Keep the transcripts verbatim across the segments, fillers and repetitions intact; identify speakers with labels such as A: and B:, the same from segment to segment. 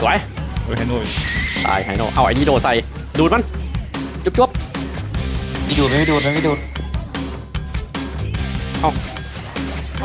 A: สวย
B: โอ้ยไฮโน่
A: ตายไฮโน่เอาไอ้นี่โดดใส่ดูดมันจุ๊บจุ๊บ
C: ไม่ดูดไม่ดูดไม่ดูด
A: เอาเอา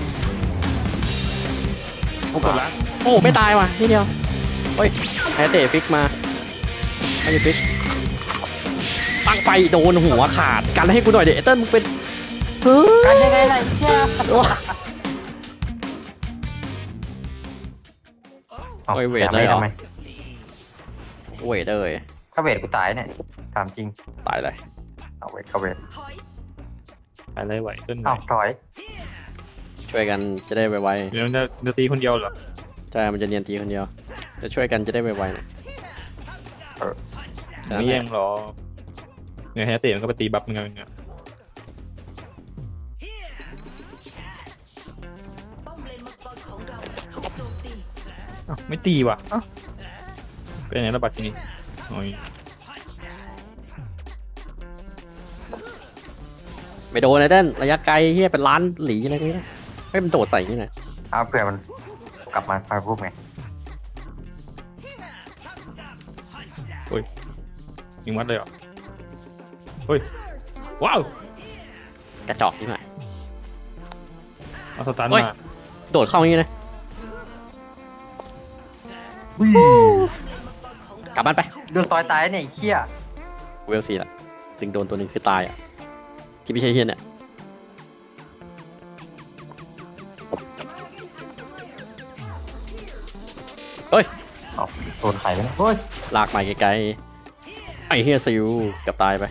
B: โอ้กดละ
A: โอ้ไม่ตายว่ะนี่เดียวเฮ้ยแพ้เตะฟิกมาไม่ได้ฟิกตั้งไปโดนหัวขาดกันให้กูหน่อยเดี๋ยวเติ้ลมึงเป็นเฮ้ย
C: กันยังไงล่ะไอ้เหี้ย
A: โอ้ยเวทเลยเหรอ
C: ทำไม
A: เวทเลย
C: ถ้าเวทกูตายเนี่ยถามจริง
A: ตายเลย
C: เอาเวทเข้าเวท
B: อะไรไหวขึ้นไหว
C: อ้าวถอย
A: ช่วยกันจะได้ไว
B: เดี๋ยวจะจะตีคนเดียวเหรอ
A: ๆใช่มันจะเนียนทีคนเดียวจะช่วยกันจะได้ไวๆหน่อย
B: ไม่แย่งหรอเนี่ยแฮตเตะมันก็ไปตีบัฟมึงไงเนี่ยอ้าวไม่ตีว่ะอ้าวเป็นไงระบาดทีนี้โอ้ย
A: ไม่โดนเลยเต้นระยะไกลเฮียเป็นล้านหลีอะไรพวกนี้ให้มันโดดใส่นี่นะ
C: เอาเผื่อมันกลับมาพาพูดไง
B: ยิงวัดเลยเหรอเฮ้ยว้าว
A: กระจอกนี่หน่อย
B: เอาสตาร์ท
A: เฮ้ย
B: มา
A: โดดเข้าอย่างนี้นะกลับบ้านไป
C: โดนซอยตายเนี่ยไอ้เหี้ย
A: เวลซีละถึงโดนตัวหนึ่งคือตายอ่ะที่ไม่ใช่เฮียเนี่ยเฮ้ย
C: เอาโดนไข่ไปนะเฮ้ย
A: ลากไปไกลๆไอ้เฮียซิวเกับตายไป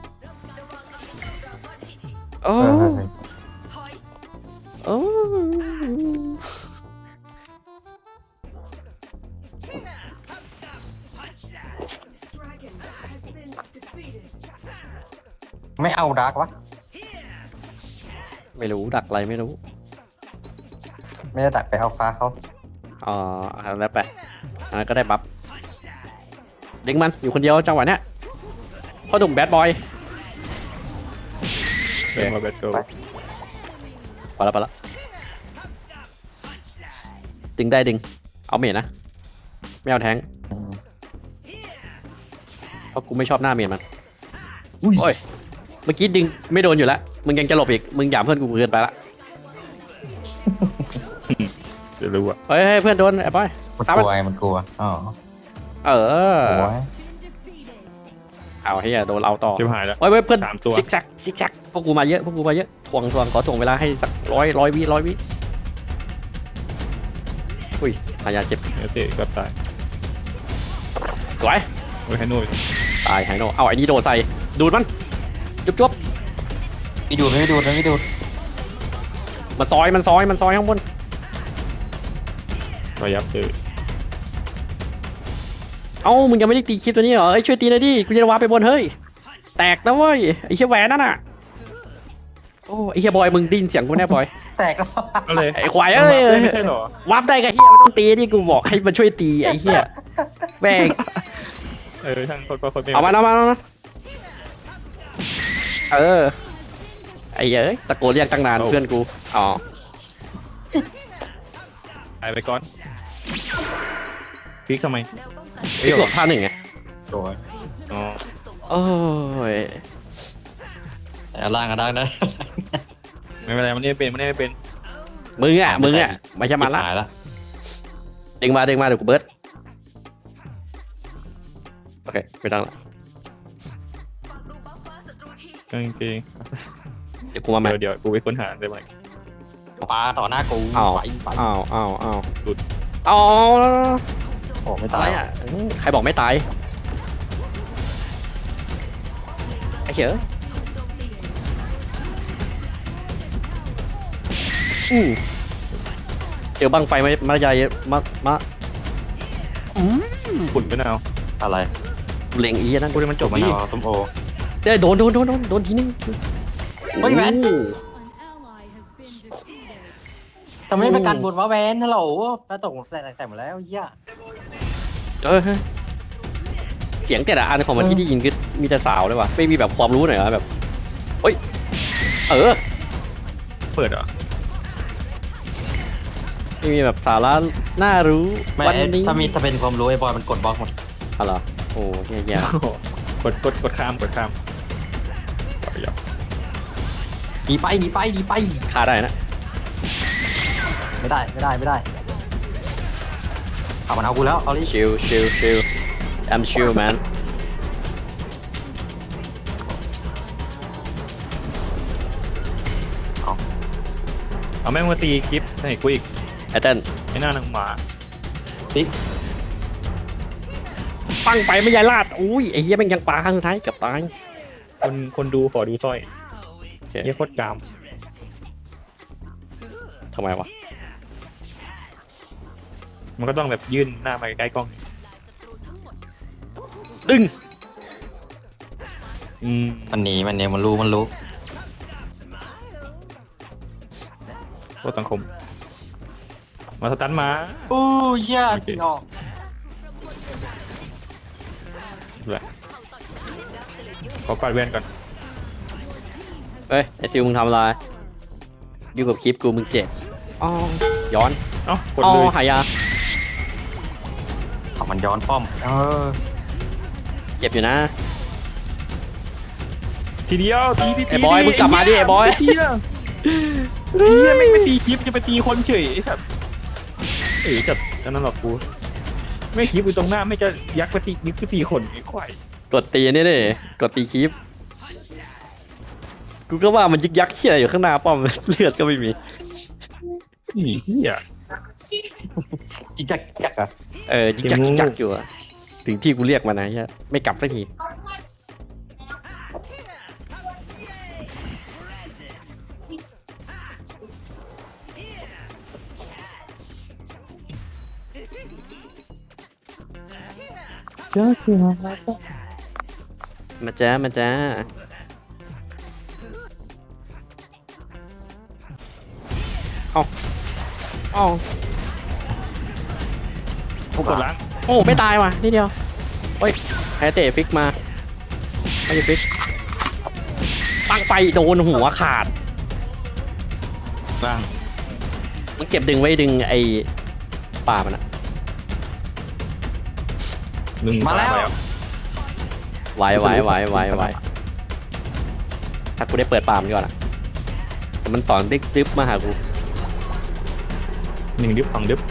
A: โอ้
C: เออเออเออ
A: โอ้
C: ไม่เอาดาร์กวะ
A: ไม่รู้ดักอะไรไม่รู้
C: ไม่ได้ตัดไปเอาฟ้าเขา
A: อ๋อเอาแล้วไปอันนั้นก็ได้บัฟดึงมันอยู่คนเดียวจังหวะเนี้ยพ่อหนุ่มแบดบอย
B: เดินมาแบทเกิล
A: พอแล้วพอแล้วดึงได้ดึงเอาเมจนะไม่เอาแทงค์เพราะกูไม่ชอบหน้าเมจมันโอ้ยเมื่อกี้ดึงไม่โดนอยู่แล้วมึงยังจะหลบอีกมึงหยามเพื่อนกูเกินไปละ
B: เดี๋ยวรู้อ่ะ
A: เฮ้ยเฮ้ยเพื่อนโดนไอ้บอย
C: มัน
A: ตาม
C: ก
A: มัน
C: ลัวไงมันกลัวอ๋อ
A: เออ
C: โอ้ย
A: เอาเฮียโดนเราต่อ
B: ชิบหายแล้ว
A: เฮ้ยเฮ้ยเพื่อน
B: สามตัว
A: ซิกแซกซิกแซกพวกกูมาเยอะพวกกูมาเยอะทวงทวงขอถ่วงเวลาให้สักร้อยร้อยวิร้อยวิอุ้ยหายาเจ็บ
B: แฮตเตะเกับตาย
A: สวย
B: โอ้ยไฮโน่
A: ตายไฮโน่เอาไอ้นี่โดดใส่ดูดมันจุ๊บจุ๊บ
C: ไม่ดูดไม่ดูดไม่ดูด
A: มันซอยมันซอยมันซอยข้างบน
B: ระยับเจอ
A: เอ้ามึงยังไม่ได้ตีคลิปตัวนี้เหรอเอ้ยช่วยตีหน่อยดิกูจะวาร์ปไปบนเฮ้ยแตกนะเว้ยไอ้เหี้ยแหวนนั่นน่ะโอ้ไอ้เหี้ยบอยมึงไดยินเสียงกูแน่บอย
C: แตกแล้ว
B: ก็เลย
A: ไอ้ควายเอ้ย
B: ไม่ใช่เหรอ
A: วาร์ปได้กับเหี้ยมันต้องตีที่กูบอกให้มันช่วยตีไอ้เหี้ยแม่ง
B: เออช่างคนก็คนไม่
A: เอามาเอามาเอามาเออไอ้เอ้ยตะโกนเรียกตั้งนานเพื่อนกูอ๋อ
B: ตายไปก่อนพลิกทำไม
A: พี่กดท่าหนึ่งไง
C: สวย
B: อ๋อ
A: โอ้ย
C: แต่ล่างก็ได้นะ
B: ไม่เป็นไรมันไม่เป็นมันไม่เป็น
A: มึงอ่ะมึงอ่ะไม่ใช่มันละ
C: หายละ
A: ดึงมาดึงมาเดี๋ยวกูเบิร์ดโอเคไม่ต้องละ
B: กางเกง
A: เดี๋ยวกูมาใหม่
B: เดี๋ยวเดี๋ยวกูไปค้นหาได้ไหม
C: ปลาต่อหน้ากู
A: อ้าว
C: ไปไป
A: อ้าวอ้าวอ้าว
B: หลุด
A: อ้าว
C: โอ้ไม่
A: อะ
C: ตา
A: ไร
C: ย
A: อ่ะใครบอกไม่ตายไอ้เหี้ยอืมเดี๋ยวบังไฟมามาใหญ่มามาอืม
B: ขุ่นไปนาว
C: อะไร
A: เล็งอีนั่น
B: กูได้มันจบ
C: มะ
B: ดิ
C: นาวส้มโอ
A: เดี๋ยวโดนโดนโดนโดนโดนทีนึง
C: เฮ้ยแหวน
A: โอ้
C: ทำไมไม่ประกันบนวะแวนฮัลโหลมาตกแต่แต่หมดแล้วเหี้ย
A: เออเสียงแต่ละอันของมันที่ได้ยินคือมีแต่สาวเลยว่ะไม่มีแบบความรู้หน่อยเหรอแบบเฮ้ยเออ
B: เปิดเหรอ
A: ไม่มีแบบสาระน่ารู้
C: ไม่
A: วันนี้
C: ถ้ามีถ้าเป็นความรู้ไอ้บอยมันกดบล็อกหมด
A: อ๋อเหรอโอ้แย่
B: โอ้โหกดกดกดข้ามกดข้ามเอาไปยอม
C: หนีไปหนีไปหนีไป
A: ๆฆ่าได้นะ
C: ไม่ได้ไม่ได้ไม่ได้เอามันเอากูแล้วเอาลิ
A: ชิลชิลชิล I'm chill man
B: เอาแม่งมาตีคลิปให้กูอีก
A: ไอเติ้ล
B: ไอ้หน้าหนังหมา
C: ติ๊ก
A: ปังไฟไม่ยายลาดอุ้ยไอ้เหี้ยแม่งยังปลาข้างท้ายเกับตาย
B: คนคนดูขอดูสร้อย
A: โอเค
B: เยี่ยโคตรกาม
A: ทำไมวะ
B: มันก็ต้องแบบยื่นหน้ามาใกล้ๆกล้อง
A: ดึง
B: อืม
C: มันหนีมันเนี่ยมันรู้มันรู้
B: โคตรสังคม มาสตันมา
C: โอ้ยเหี้ยตีออก
B: เลยขอกวาดแว่นก่อน
A: เอ้ยไอซิลมึงทำอะไรอยู่กับคลิปกูมึงเจ็บอ๋อย้อน
B: เอ้ากด
A: อ๋อ
B: เลย
A: หายา
C: เอามันย้อนป้อมเออ
A: เจ็บอยู่นะ
B: ทีเดียวตีที
A: ไอ้บอยมึงกลับมาดิไอ้บอย
B: เหี้ยไอ้เหี้ยไม่งไปตีคลิปจะไปตีคนเฉยไอ้สัตว์เอ้ยจัดอันนั้นหรอกกูไม่คลิปอยู่ตรงหน้าไม่จะยักไปตีนึกไปตีคนไอ้ควาย
A: กดตีนี่ดิกดตีคลิปกูก็ว่ามันยึกยักเขี้ยอยู่ข้างหน้าป้อม เลือดก็ไม่มี
B: อีเหี้ย
C: จิกจักจักอะ
A: เออยึกยัก
B: เกมงู
A: ยึกยักอยู่อะถึงที่กูเรียกมานะเหี้ยไม่กลับสักที
B: เจ้าคือมา
A: มาจ้ามาจ้าเอาเอา
B: เขากดล้าง
A: โอ้ไม่ตายว่ะนิดเดียวโอ้ยไฮเตะฟิกมาไม่ใช่ฟิกปังไฟโดนหัวขาด
B: ล้าง
A: มันเก็บดึงไว้ดึงไอ้ป่ามันอะ
B: หนึ่ง
C: มาแล้ว
A: ไว้ไว้ไว้ไว้ไว้ถ้ากูได้เปิดป่ามันก่อนอะแต่มันสอนดิ๊กดิ๊บมาหากู
B: หนึ่งดิฟสองดิฟ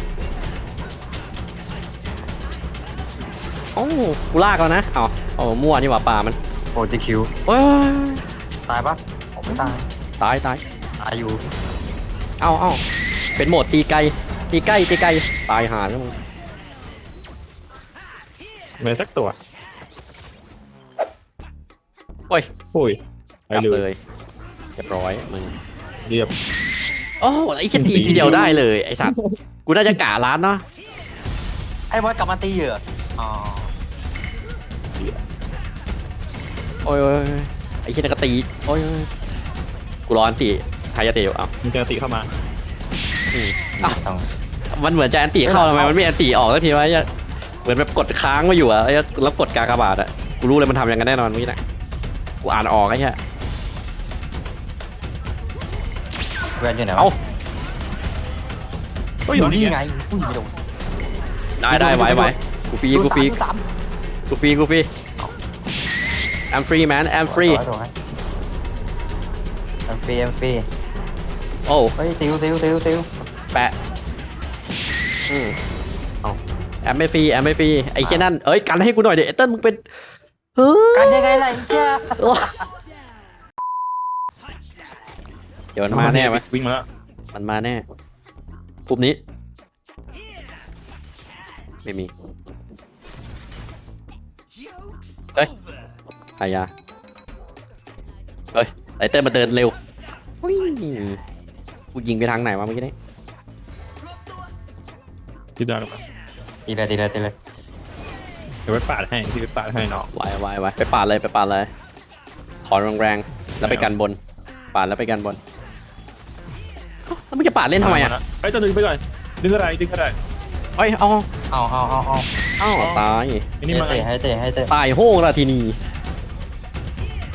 A: โอ้กูลากแล้วนะเอาเอามั่วนี่หว่าป่ามัน
C: โอ้จิคิว
A: เอ้ย
C: ตายปะผมไม่ตาย
A: ตายตาย
C: ตายอยู่
A: เอาเอาเป็นโหมดตีไกลตีใกล้ตีไกลตายหาแล้วมึง
B: ไม่ได้สักตัว
A: โอ้ย
B: โอ้ยไป
A: กลับ
B: เล
A: เลย ยเรียบร้อยมึง
B: เรียบ
A: โอ้ไอ้เหี้ยตีทีเดียวได้เลยไอ้สัตว์กูน่าจะกะร้านเนาะ
C: ไอ้บอยกลับมาตีเหรออ๋อ
A: โอ้ยโอ้ยโอ้ยไอ้เหี้ยนั่นก็ตีโอ้ยโอ้ยกูร้อนตีใครจะตีอยู่เอ้า
B: มันจะติเข้ามา
A: อืม
C: ต้อง
A: มันเหมือนจะแอนตี้เข้าทำไมมันไม่แอนตี้ออกสักทีวะไอ้เหี้ยเหมือนแบบกดค้างมาอยู่อะไอ้เหี้ยแล้วกดกากบาทอะกูรู้เลยมันทำอย่างนั้นแน่นอนเมื่อกี้นะกูอ่านออกไอ้เหี้ย
C: แวนอยู่ไหนวะ
A: เอ้า
B: ก็อ
C: อยู่ ยู่
B: นี่
C: นี่
B: ไง
C: ไงอุ้ยไม่โดน
A: ได้ได้ไหวไหวกูฟรีกูฟรี
C: ดูสาม
A: กูฟรีกูฟรี I'm free man I'm
C: ดูสาม
A: free
C: โดนไหมแอมฟรีแอมฟรี
A: โอ้
C: เฮ้ยติวติวติวติว
A: แปะอืมเอาแอมไม่ฟรีแอมไม่ฟรีไอ้เช่นนั่นเอ้ยกันให้กูหน่อยเดี๋ยวไอ้เติ้ลมึงเป็นเฮ้ย
C: กันยังไงล่ะไอ้เหี้ย
A: เดี๋ยวมันมาแน่ไหม
B: วิ่งมาแล้ว
A: มันมาแน่ปุ๊บนี้ไม่มีเฮ้ยหายาเฮ้ยไอเติ้ลมาเดินเร็วอุ๊ยกูยิงไปทางไหนวะเมื่อกี้นี้
B: ที่ได้ลงมา
C: ตีเลยตีเลยตีเลย
B: เดี๋ยวไปปาดให้ที่ไปปาดให้น้อง
A: ไวไวไวไปปาดเลยไปปาดเลยขอแรงๆแล้วไปกันบนปาดแล้วไปกันบนแล้วมึงจะปาดเล่นทำไมอ่ะ
B: ไอ้ยจะดึงไปก่อนดึงอะไรดึงอะไร
A: เอ้ยเอา
C: เอาเอาเอาเอา
A: เอ้าตาย
B: ไอ้นี่มา
C: ให้เตะให้เตะให้เตะ
A: ตายโห้งละทีนี้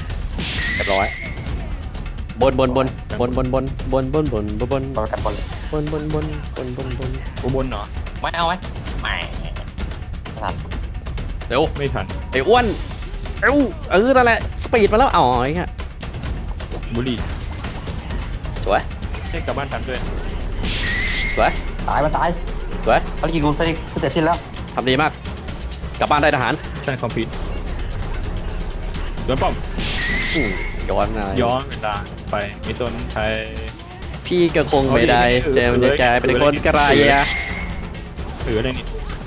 A: เรียบร้อยบนบนบนบนบนบนบนบนบนบนบน
C: บอลกันบอลเลย
A: บนบนบนบนบนบน
B: กูบนเหรอ
C: ไม่เอาไหมไม่ไม่ทัน
A: เร็ว
B: ไม่ทัน
A: ไอ้อ้วนเร็วเออนั่นแหละสปีดมาแล้วอ๋อไอ้เงี้ย
B: บุหรี่
A: สวย
B: ให้กลับบ้านทันด้วย
A: สวย
C: ตายมันตาย
A: สวย
C: ภารกิจกูภารกิจกูเสร็จสิ้นแล้ว
A: ทำดีมากกลับบ้านได้ทหาร
B: ชันคอมพิวโดนป้อม
A: อืมย้อนอะไร
B: ย้อนเวลาไปมีต้นไทย
A: พี่ก็คงไม่ได้
B: เอาดิ
A: เจมจะกลายเป็นคนกระไรอะ
B: เอออะไรนี่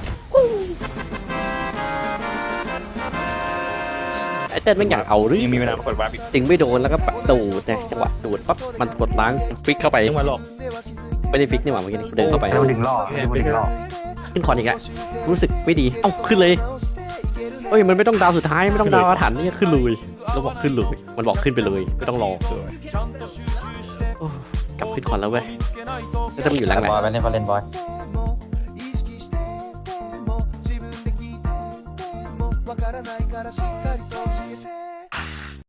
A: ไอ้เต้นไม่อยากเอาหรือ
B: ยังมีเวลามากดวาร์ปอีก
A: ติงไม่โดนแล้วก็ปัดตูดเนี่ยจังหวะตูดปั๊บมันกดล้างฟิกเข้าไป
B: ยังมาหลอก
A: ไม่ได้ฟิกนี่หว่าเมื่อกี้นี้เดินเข้าไป
C: แล้วมันดึงล่อมันดึงล่อ
A: ขึ้นคอนอีกแล้วรู้สึกไม่ดีเอ้าขึ้นเลยเอ้ยมันไม่ต้องดาวสุดท้ายไม่ต้องดาวอาถรรพ์นี่ขึ้นเลยแล้วบอกขึ้นเลยมันบอกขึ้นไปเลยไม่ต้องรอโอ้กลับขึ้นคอนแล้วเว้ยแล้วจะมันอยู่แรงไหน
C: บอยไปเล่นบอลเล่นบอย
D: わからないからしっかりと教えて